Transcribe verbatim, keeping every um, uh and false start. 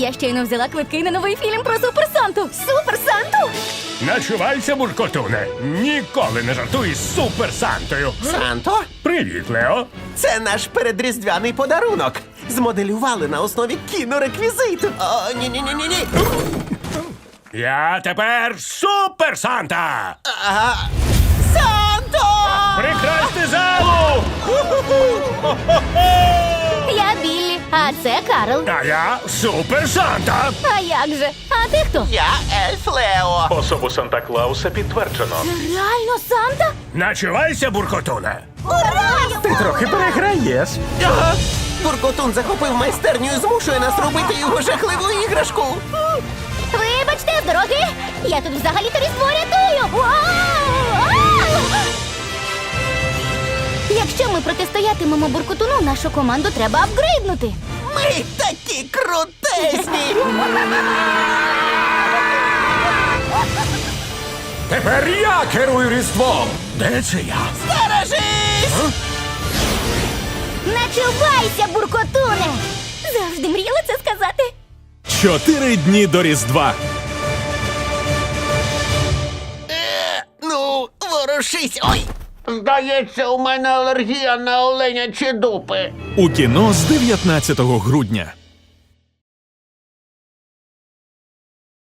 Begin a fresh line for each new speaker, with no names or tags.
Я щойно взяла квитки на новий фільм про Супер Санту. Супер Санту?
Начувайся, буркотуне. Ніколи не жартуй з Супер Сантою.
Санто?
Привіт, Лео.
Це наш передріздвяний подарунок. Змоделювали на основі кінореквізиту. О, ні-ні-ні-ні-ні.
Я тепер Супер Санта.
Ага. Санто!
Прикрасти залу!
Я Біллі, а це Карл.
А я Супер Санта.
А як же? А ти хто?
Я Ельф Лео.
Особу Санта-Клауса підтверджено.
Реально Санта?
Начувайся, буркотуне.
Ура!
Ти трохи переграєш.
Ага. Буркотун захопив майстерню і змушує нас робити його жахливу іграшку.
Вибачте, з дороги! Я тут взагалі-то різдво рятую! Вау! Ау! Якщо ми протистоятимемо буркотуну, нашу команду треба апгрейднути.
Ми такі крутесні!
Тепер я керую Різдвом.
Де це я?
Стережись!
Начувайся, буркотуне! Завжди мріяла це сказати.
Чотири дні до Різдва.
Ну, ворушись! Ой!
Здається, у мене алергія на оленячі дупи.
У кіно з дев'ятнадцятого грудня.